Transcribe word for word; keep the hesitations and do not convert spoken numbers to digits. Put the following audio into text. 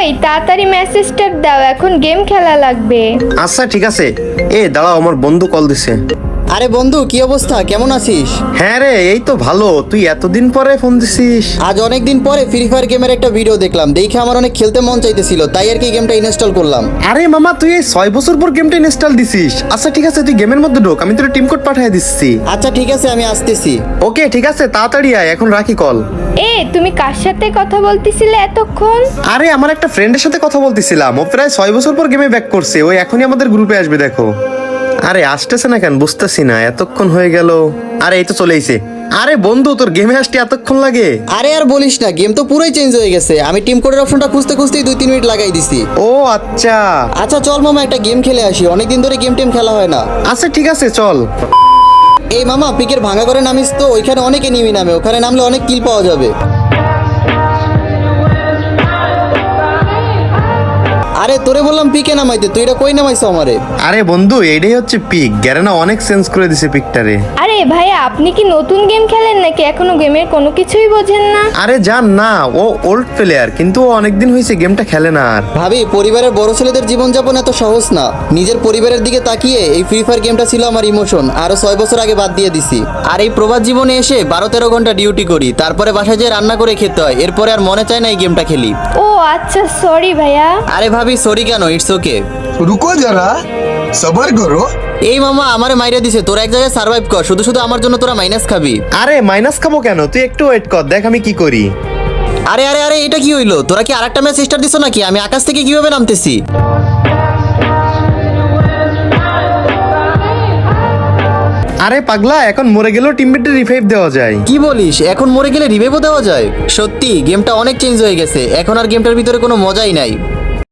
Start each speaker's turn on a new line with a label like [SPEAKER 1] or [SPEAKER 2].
[SPEAKER 1] ওই তাড়াতাড়ি মেসেজটা দাও, এখন গেম খেলা লাগবে।
[SPEAKER 2] আচ্ছা ঠিক আছে। এ দাঁড়াও, আমার বন্ধু কল দিছে।
[SPEAKER 3] আরে বন্ধু, কি অবস্থা, কেমন আছিস?
[SPEAKER 2] হ্যাঁ রে, এই তো ভালো। তুই এতদিন পরে ফোন দিছিস।
[SPEAKER 3] আজ অনেকদিন পরে ফ্রি ফায়ার গেমের একটা ভিডিও দেখলাম, দেখে আমার অনেক খেলতে মন চাইতেছিল, তাই আর কি গেমটা ইনস্টল করলাম।
[SPEAKER 2] আরে মামা, তুই এই ছয় বছর পর গেমটা ইনস্টল দিছিস। আচ্ছা ঠিক আছে, তুই গেমের মধ্যে ঢোক, আমি তোর টিম কোড পাঠিয়ে দিচ্ছি।
[SPEAKER 3] আচ্ছা ঠিক আছে, আমি আসতেছি।
[SPEAKER 2] ওকে ঠিক আছে, তাড়াতাড়ি আয়, এখন রাখি কল।
[SPEAKER 1] এ তুমি কার সাথে কথা বলতেছিলে এতক্ষণ?
[SPEAKER 2] আরে আমার একটা ফ্রেন্ডের সাথে কথা বলতেছিলাম, ও প্রায় ছয় বছর পর গেমে ব্যাক করছে, ওই এখনই আমাদের গ্রুপে আসবে। দেখো। আরে আসতেছে না কেন বুঝতেছি না, এতক্ষণ হয়ে গেল। আরে এই তো চলে এসে। আরে বন্ধু, তোর গেমে আসতে এতক্ষণ লাগে?
[SPEAKER 3] আরে আর বলিস না, গেম তো পুরোই চেঞ্জ হয়ে গেছে। আমি টিম কোডের অপশনটা খুঁজতে খুঁজতেই দুই তিন মিনিট লাগাই দিছি।
[SPEAKER 2] ও আচ্ছা।
[SPEAKER 3] আচ্ছা চল মামা, একটা গেম খেলে আসি, অনেকদিন ধরে গেম টেম খেলা হয় না।
[SPEAKER 2] আচ্ছা ঠিক আছে, চল।
[SPEAKER 3] এই মামা, পিকের ভাঙা করে নামিস তো, ওইখানে অনেকে নিমি নামে, ওখানে নামলে অনেক কিল পাওয়া যাবে। আরে তোরে বললাম পিকে নামাইতে, তুই এটা কই নামাইছো আমারে?
[SPEAKER 2] আরে বন্ধু, এইটাই হচ্ছে পিক। গ্যারেনা অনেক চেঞ্জ করে দিছে পিকটারে।
[SPEAKER 1] আরে ভাইয়া, আপনি কি নতুন গেম খেলেন নাকি এখনো গেমের কোনো কিছুই বোঝেন না?
[SPEAKER 2] আরে জান না, ও ওল্ড প্লেয়ার, কিন্তু ও অনেকদিন হয়েছে গেমটা খেলে না আর।
[SPEAKER 3] ভাবি, পরিবারের বড় ছেলেদের জীবনযাপন এত সহজ না। নিজের পরিবারের দিকে তাকিয়ে এই ফ্রি ফায়ার গেমটা ছিল আমার ইমোশন, আরো ছয় বছর আগে বাদ দিয়ে দিছি। আর এই প্রবাদ জীবনে এসে বারো তেরো ঘন্টা ডিউটি করি, তারপরে বাসায় যেয়ে রান্না করে খেতে হয়, এরপরে আর মনে চায় না এই গেমটা খেলি।
[SPEAKER 1] ও আচ্ছা, সরি ভাইয়া।
[SPEAKER 3] আরে ভাবি, সরি কেন, ইটস ওকে।
[SPEAKER 4] रुको जरा सबर करो।
[SPEAKER 3] এই মামা আমারে মাইরা দিছে, তোরা এক জায়গায় সার্ভাইভ কর, শুধু শুধু আমার জন্য তোরা মাইনাস খাবি।
[SPEAKER 2] আরে মাইনাস খাবো কেন, তুই একটু ওয়েট কর, দেখ আমি কি করি।
[SPEAKER 3] আরে আরে আরে, এটা কি হইলো? তোরা কি আরেকটা ম্যাচ স্টার্ট দিছো নাকি? আমি আকাশ থেকে কিভাবে নামতেছি?
[SPEAKER 2] আরে পাগলা, এখন মরে গেলেও টিমমেটে রিভাইভ দেওয়া যায়।
[SPEAKER 3] কি বলিস, এখন মরে গেলে রিভাইভও দেওয়া যায়? সত্যি গেমটা অনেক চেঞ্জ হয়ে গেছে, এখন আর গেমটার ভিতরে কোনো মজাই নাই।